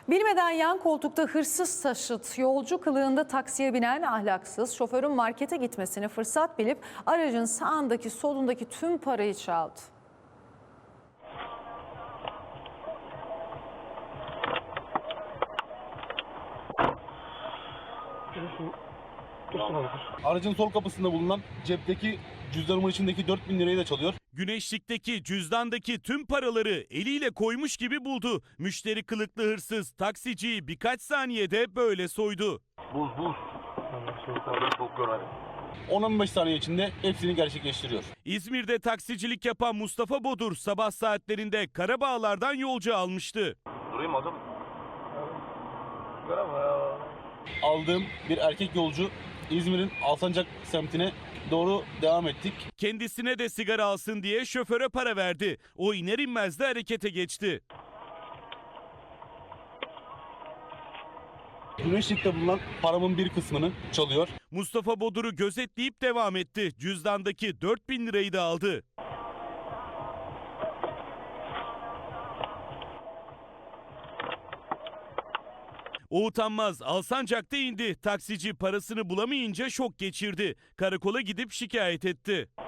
Bilmeden yan koltukta hırsız taşıt, yolcu kılığında taksiye binen ahlaksız, şoförün markete gitmesini fırsat bilip aracın sağındaki solundaki tüm parayı çaldı. Aracın sol kapısında bulunan cepteki cüzdanımın içindeki 4.000 lirayı da çalıyor. Güneşlikteki cüzdandaki tüm paraları eliyle koymuş gibi buldu. Müşteri kılıklı hırsız taksiciyi birkaç saniyede böyle soydu. Buz. Çok görmedim. 10-15 saniye içinde hepsini gerçekleştiriyor. İzmir'de taksicilik yapan Mustafa Bodur sabah saatlerinde Karabağlar'dan yolcu almıştı. Durayım adım. Göremem ya. Aldığım bir erkek yolcu İzmir'in Alsancak semtine doğru devam ettik. Kendisine de sigara alsın diye şoföre para verdi. O iner inmez de harekete geçti. Güneşlik'te bulunan paramın bir kısmını çalıyor. Mustafa Bodur'u gözetleyip devam etti. Cüzdandaki 4.000 lirayı da aldı. O utanmaz Alsancak'ta indi. Taksici parasını bulamayınca şok geçirdi. Karakola gidip şikayet etti.